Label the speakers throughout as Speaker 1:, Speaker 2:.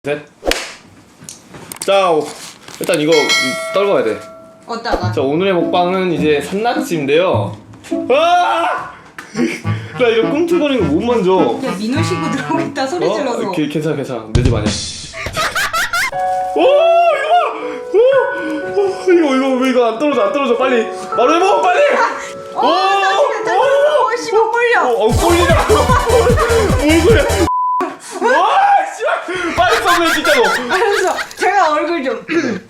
Speaker 1: 셋. 자, 일단 이거 떨궈야 돼.
Speaker 2: 어디다가?
Speaker 1: 자, 오늘의 먹방은 이제 산낙지인데요. 아! 나 이거 꿈틀거리는 거 못 만져.
Speaker 2: 야 민호 씨고 들어오겠다 소리 질러서.
Speaker 1: 괜찮아. 내 집 아니야. 오, 이거 왜 이거 안 떨어져 빨리. 바로 해먹어 빨리.
Speaker 2: 씨발 꼴려.
Speaker 1: 꼴리냐? 뭘 그래? 와, 씨발, 빨리 써내 진짜로.
Speaker 2: 알았어. 제가 얼굴 좀.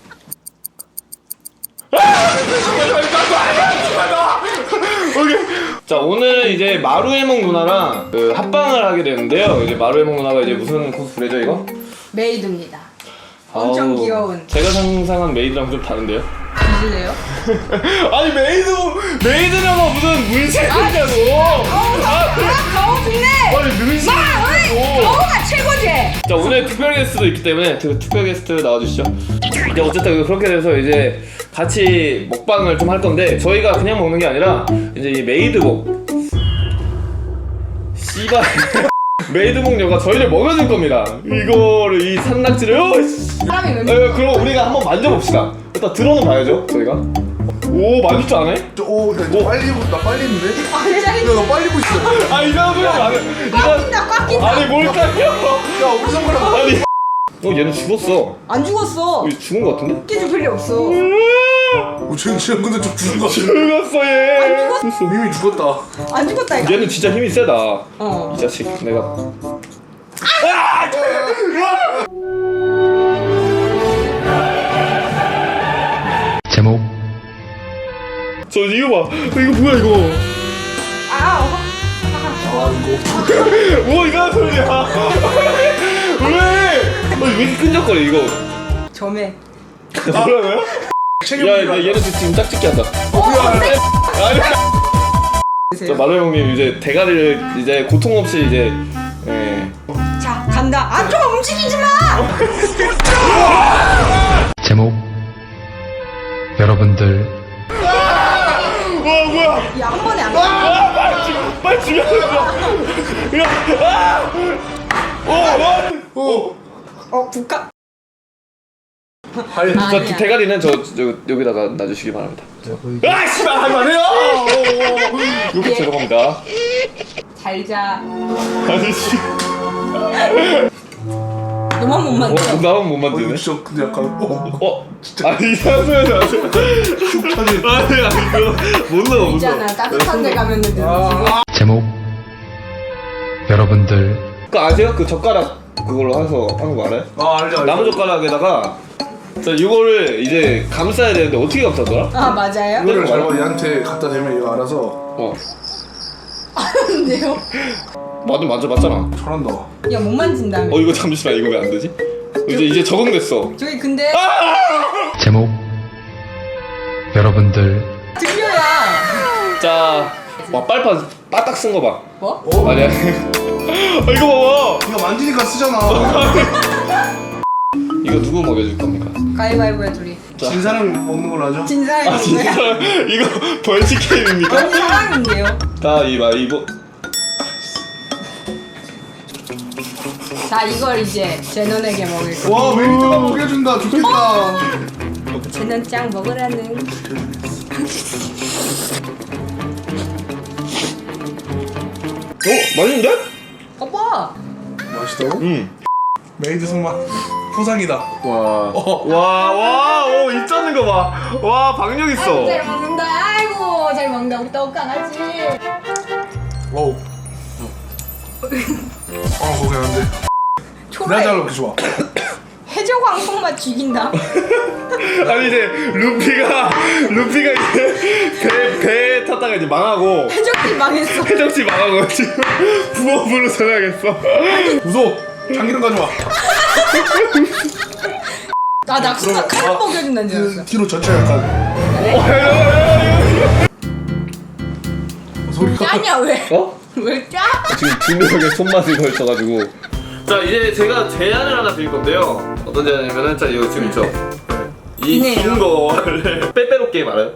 Speaker 1: 자, 오늘 이제 마루해먹 누나랑 그 합방을 하게 되는데요. 이제 마루해먹 누나가 이제 무슨 코스프레죠 이거?
Speaker 2: 메이드입니다. 엄청
Speaker 1: 아우,
Speaker 2: 귀여운.
Speaker 1: 제가 상상한 메이드랑 좀 다른데요?
Speaker 2: 드실래요?
Speaker 1: 아니 메이드냐고 무슨 문신이냐고.
Speaker 2: 가오 좋네.
Speaker 1: 아니 문신이냐고.
Speaker 2: 가오가 최고지.
Speaker 1: 자, 오늘 특별 게스트도 있기 때문에 특별 게스트 나와주시죠. 이제 어쨌든 그렇게 돼서 이제 같이 먹방을 좀 할 건데 저희가 그냥 먹는 게 아니라 이제 이 메이드복 씨발 메이드복녀가 저희를 먹여줄 겁니다. 이거를 이 산낙지를
Speaker 2: 사람이 왜?
Speaker 1: 그럼 우리가 한번 만져봅시다. 일단 들어는 봐야죠 저희가. 오, 만질 줄 아네?
Speaker 3: 나 빨리 했는데?
Speaker 2: 아니
Speaker 3: 야, 나 빨리고 있어.
Speaker 1: 아, 이상한 소리 안 해.
Speaker 2: 꽉 낀다.
Speaker 1: 아니 뭘 깎여?
Speaker 3: 야, 우리 손가락.
Speaker 1: 아니 얘는 죽었어.
Speaker 2: 안 죽었어.
Speaker 1: 죽은 거 같은데?
Speaker 2: 깨질 필요 없어.
Speaker 3: 쟤는 근데 좀 죽은 거 같아.
Speaker 1: 죽었어 얘.
Speaker 3: 이미 죽었다.
Speaker 2: 안 죽었다 이거.
Speaker 1: 얘는 진짜 힘이 세다.
Speaker 2: 어.
Speaker 1: 이 자식 내가.
Speaker 4: 제목
Speaker 1: 저 이거 봐. 이거 뭐야 이거?
Speaker 2: 아.
Speaker 1: 뭐 이상한 소리야? 왜? 왜 이렇게 끈적거려 이거?
Speaker 2: 점에.
Speaker 1: 뭐라고요? 야, 얘는 지금 짝짓기 한다. 아니. 자, 마루 형님 이제 대가리를 이제 고통 없이 이제
Speaker 2: 자 간다. 아 좀 움직이지 마.
Speaker 4: 제목 여러분들
Speaker 1: 와, 뭐야?
Speaker 2: 야 한 번에 안 돼.
Speaker 1: 빨리 죽여.
Speaker 2: 국가.
Speaker 1: 저 대가리는 저 여기다가 놔주시기 바랍니다. 아, 씨발 하지 마세요. 이렇게 죄송합니다.
Speaker 2: 잘 자.
Speaker 1: 아니 씨.
Speaker 2: 너만 못 만져.
Speaker 1: 나만 못 만드네.
Speaker 3: 진짜 근데 약간
Speaker 1: 진짜. 아니 이상한 소리 하지 마세요. 아니 이거 못 넣어.
Speaker 2: 있잖아 따뜻한 데 가면은 되지.
Speaker 4: 제목 여러분들
Speaker 1: 그거 아세요? 그 젓가락 그걸로 해서 하는 거 알아요?
Speaker 3: 알지.
Speaker 1: 나무 젓가락에다가 자, 이거를 이제 감싸야 되는데 어떻게 감싸더라?
Speaker 2: 아 맞아요?
Speaker 3: 이거를 말고 얘한테 갖다 대면 얘가 알아서
Speaker 2: 아는데요?
Speaker 1: 만져봤잖아.
Speaker 3: 잘한다.
Speaker 2: 야 못 만진다며.
Speaker 1: 이거 잠시만, 이거 왜 안 되지? 이제 적응됐어.
Speaker 2: 저기 근데
Speaker 4: 제목 여러분들
Speaker 2: 들려야.
Speaker 1: 자, 와, 빨판 빠딱 쓴 거 봐.
Speaker 2: 뭐?
Speaker 1: 아니야. 이거 봐봐.
Speaker 3: 이거 만지니까 쓰잖아.
Speaker 1: 이거 누구 먹여줄 겁니까?
Speaker 2: 가위바위보야 둘이.
Speaker 3: 진 사람이 먹는 걸로 하죠.
Speaker 2: 진 사람이
Speaker 1: 아, 진짜
Speaker 2: 누구야?
Speaker 1: 이거 벌칙 게임입니까?
Speaker 2: 아니 사람인데요.
Speaker 1: 가위바위보.
Speaker 2: 자 이걸 이제 제넌에게 먹을 거.
Speaker 3: 와, 메리트가 먹여준다. 좋겠다.
Speaker 2: 제넌 짱 먹으라는.
Speaker 1: 맛있는데?
Speaker 2: 오빠.
Speaker 3: 맛있다고?
Speaker 1: 응.
Speaker 3: 메이드 손맛 포상이다.
Speaker 1: 입 잡는 거 봐. 와, 박력 있어.
Speaker 2: 잘 먹는다. 아이고 잘 먹는다. 우리 떡강아지.
Speaker 3: 어우. 고생한데.
Speaker 2: 초라해.
Speaker 3: 내가 잘로 이렇게 좋아.
Speaker 2: 해적왕송 맛 죽인다.
Speaker 1: 아니 이제 루피가 이제 배 탔다가 이제 망하고
Speaker 2: 해적이 망했어.
Speaker 1: 해적지 망하고 지금 부업으로 전화하겠어.
Speaker 3: 무서워. 참기름 가져와.
Speaker 2: 나 낙수가 칼 먹여준다는 줄 알았어.
Speaker 3: 뒤로 전체 약간. 소리가.
Speaker 2: 짜냐 왜?
Speaker 1: 어?
Speaker 2: 왜 짜?
Speaker 1: 지금 두 명의 손맛을 걸쳐가지고. 자, 이제 제가 제안을 하나 드릴 건데요. 어떤 제안이냐면은 자, 이거 지금 있죠. 이
Speaker 2: 이네요.
Speaker 1: 긴 거를 빼빼로 게임 알아요?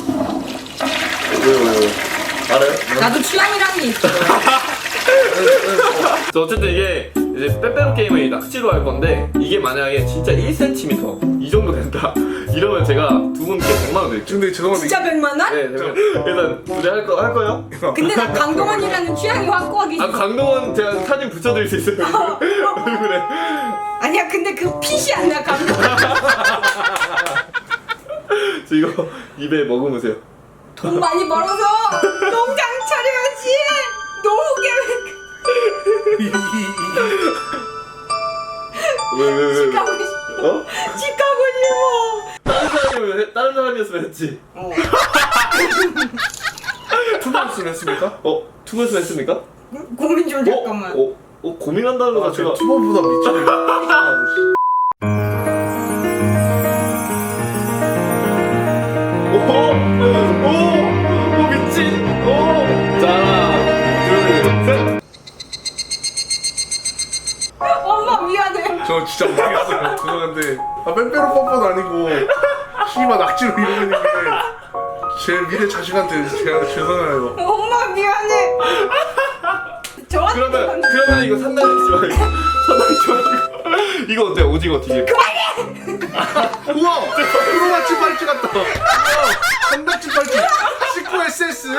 Speaker 1: 왜요? 알아요?
Speaker 2: 나도 취향이라는 게 있어.
Speaker 1: 자, 어쨌든 이게 이제 빼빼로 게임을 이 낚시로 할 건데 이게 만약에 진짜 1cm 이 정도 된다 이러면 제가 두 분께 100만 원 드릴게요.
Speaker 3: 근데 죄송한데
Speaker 2: 진짜 100만 원?
Speaker 1: 네, 일단 둘이 할 거요?
Speaker 2: 근데 나 강동원이라는 취향이 확고하게
Speaker 1: 아 강동원 제가 사진 붙여드릴 수 있어요. 얼굴에.
Speaker 2: 아니야 근데 그 핏이 안 나 강동원.
Speaker 1: 저 이거 입에 머금으세요.
Speaker 2: 돈 많이 벌어서 농장 차려야지. 노후 계획.
Speaker 1: 왜?
Speaker 2: 집 가고 싶어.
Speaker 1: 어?
Speaker 2: 집 가고 싶어.
Speaker 1: 다른 사람이었으면 했지.
Speaker 3: 투박스를 했습니까?
Speaker 1: 투번스 했습니까?
Speaker 2: 고민 좀 잠깐만.
Speaker 1: 고민한다는 거
Speaker 3: 아,
Speaker 1: 자체가.
Speaker 3: 제가 투박보다 미치네.
Speaker 1: 오 미친. 자 하나 둘 셋.
Speaker 2: 엄마 미안해.
Speaker 3: 저 진짜 모르겠어요. 죄송한데 빼빼로 뻔뻔 아니고 씨발 낙지로 이러는 게 제 미래 자식한테 제가 죄송해요.
Speaker 2: 엄마 미안해. 저한테
Speaker 1: 그러면 이거 산다리지 말고 산다리지 말고 이거 어때요? 오징어 튀김.
Speaker 3: 우와! 프로마치 팔찌 같다. 우와! 한다치 팔찌. 19SS.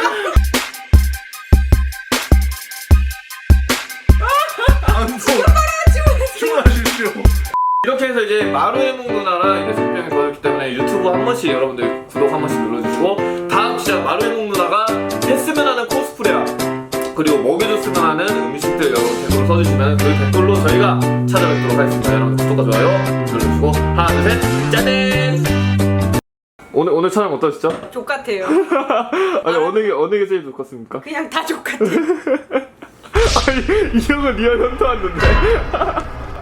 Speaker 3: 안소. 주문하십시오.
Speaker 1: 이렇게 해서 이제 마루에몽 누나랑 이제 생병이 도와줬기 때문에 유튜브 한 번씩 여러분들 구독 한 번씩 눌러주시고 다음 진짜 마루에몽 누나가 했으면 하는 코스프레야 그리고 먹여줬으면 하는 음식들 여러분 댓글로 써주시면 그 댓글로 저희가 찾아뵙도록 하겠습니다. 여러분 구독과 좋아요 눌러주시고 하나 둘셋 짜잔. 오늘 촬영 어떠셨죠?
Speaker 2: 족같아요.
Speaker 1: 아니 어느 게 제일 좋겠습니까?
Speaker 2: 그냥 다 족같아.
Speaker 1: 아니 이 형은 리얼 현타 왔는데.